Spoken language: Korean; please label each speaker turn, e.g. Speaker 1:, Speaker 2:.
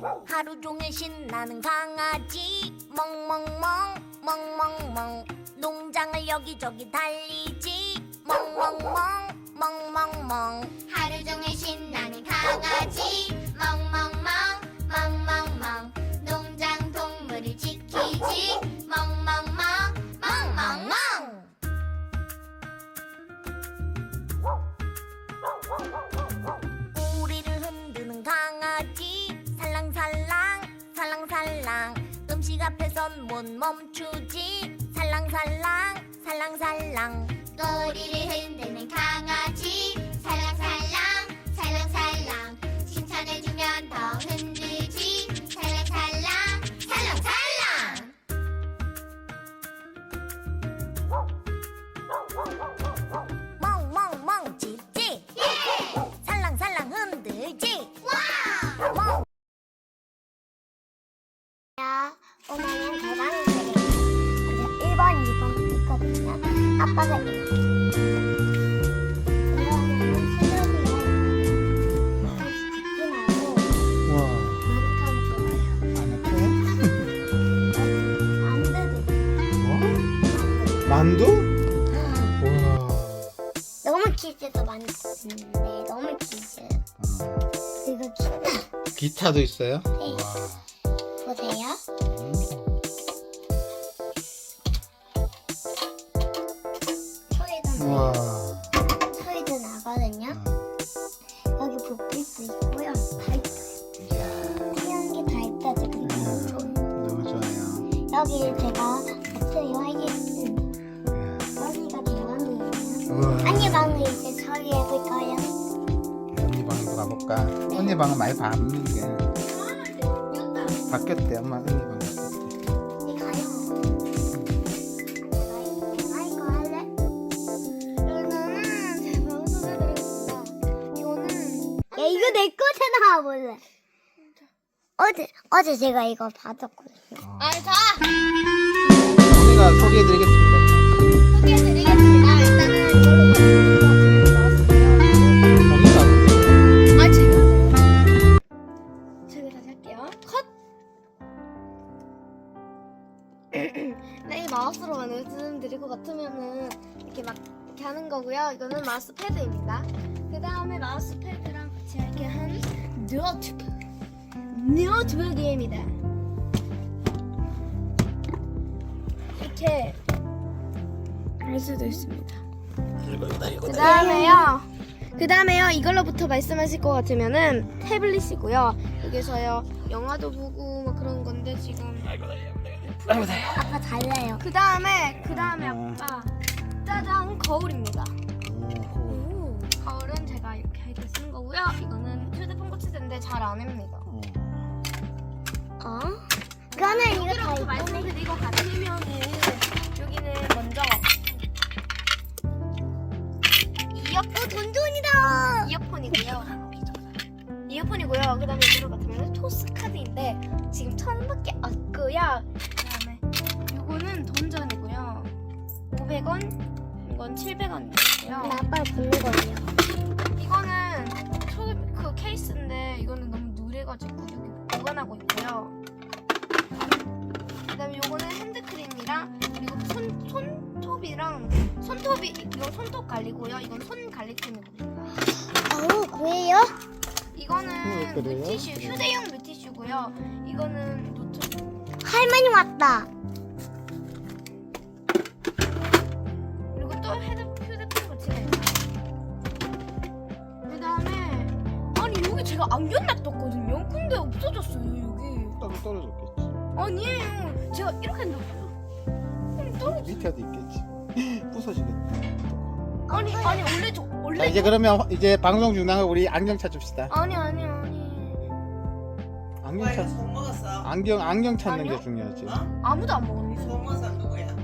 Speaker 1: 하루 종일 신나는 강아지 멍멍멍 멍멍멍 농장을 여기저기 달리지 멍멍멍 멍멍멍 하루 종일 신나는 강아지 멍멍멍 멍멍멍 농장 동물을 지키지 멍멍멍 멍멍멍 우리를 흔드는 강아지 살랑살랑 살랑살랑 음식 앞에선 못 멈추지 살랑살랑 살랑살랑 꼬리를 흔드는 강아지 살랑살랑 살랑살랑 칭찬해주면 더 흔들지 살랑살랑 살랑살랑 멍멍멍 짖지 살랑살랑 흔들지 멍 오늘은 대방을 그리고 1번, 2번 있거든요. 아빠가 이거는 수련이랑 다시 집중하고
Speaker 2: 우와.
Speaker 1: 아늑하면 좋아요.
Speaker 2: 만두?
Speaker 1: 만두도
Speaker 2: 만두? 우와.
Speaker 1: 너무 퀴즈도 많은데 너무 퀴즈 그리고 기타
Speaker 2: 기타도 있어요?
Speaker 1: 네.
Speaker 2: 우와.
Speaker 1: 보세요. 소리도
Speaker 2: 우와.
Speaker 1: 소리도 나거든요. 여기 불빛도 있고요. 다 있어요.
Speaker 2: 이야.
Speaker 1: 다양한 게 다 있다 지금.
Speaker 2: 너무 좋아요.
Speaker 1: 여기 제가 배터리 하겠습니다.
Speaker 2: 이야.
Speaker 1: 여기가 대왕도 있어요.
Speaker 2: 우와.
Speaker 1: 언니 방을 이제 처리해볼까요?
Speaker 2: 언니 방으로 가볼까? 언니 방은 많이 바뀌는 게 바뀌었대. 엄마 언니 방 바뀌었대.
Speaker 1: 언니 가요. 나 이거 할래? 이거는 제 방송을 드리겠습니다. 이거는 야 이거 내 거잖아 원래. 어제 제가 이거 받았거든요. 자
Speaker 2: 언니가 소개해드리겠습니다.
Speaker 1: 소개해드리겠습니다. 일단은 이걸로 나왔어요.
Speaker 2: 언니가
Speaker 1: 아 제가 다시 할게요. 컷. 네, 이 마우스로 말씀드릴 것 같으면은 이렇게 막 이렇게 하는 거고요. 이거는 마우스 패드입니다. 그 다음에 마우스 패드랑 같이 이렇게 한 노트북입니다. 이렇게 할 수도 있습니다. 그 다음에요 이걸로부터 말씀하실 것 같으면은 태블릿이고요. 여기서요 영화도 보고 막 그런 건데 지금 아빠 달래요. 그 다음에 아빠 짜잔 거울입니다. 거울은 제가 이렇게 이렇게 쓴 거고요. 이거는 휴대폰 거치대인데 잘 안 합니다. 그거는 여기로부터 말씀드릴 것 같으면은 여기는 먼저 돈돈이다. 이어폰이고요. 그다음에 이거 같으면 토스 카드인데 지금 1,000원밖에 없고요. 그다음에 이거는 던전이고요. 500원, 이건 700원이고요. 아빠 보는 거예요. 이거는 그 케이스인데 이거는 너무 누래가지고 여기 보관하고 있고요. 그다음에 이거는 핸드크림이랑 그리고 손톱이랑 이건 손톱 관리고요. 이건 손 관리템이거든요. 뭐예요? 이거는
Speaker 2: 그래요?
Speaker 1: 물티슈, 휴대용 물티슈고요. 이거는 노트북. 할머니 왔다. 그리고 또 휴대폰 거치대. 그 다음에 아니 여기 제가 안경 놔뒀거든요. 근데 없어졌어요 여기.
Speaker 2: 따로 떨어졌겠지.
Speaker 1: 아니에요. 제가 이렇게 놨어요. 떨어졌어요.
Speaker 2: 밑에도 있겠지. 부서지겠다.
Speaker 1: 아니 원래
Speaker 2: 자, 이제 그러면 이제 방송 중단하고 우리 안경 찾읍시다.
Speaker 1: 아니.
Speaker 2: 안경
Speaker 3: 오빠 이거
Speaker 2: 찾
Speaker 3: 속 먹었어?
Speaker 2: 안경 찾는 게
Speaker 1: 아니요?
Speaker 2: 중요하지.
Speaker 3: 어?
Speaker 1: 아무도 안 먹었네.
Speaker 3: 속 먹었어 누구야?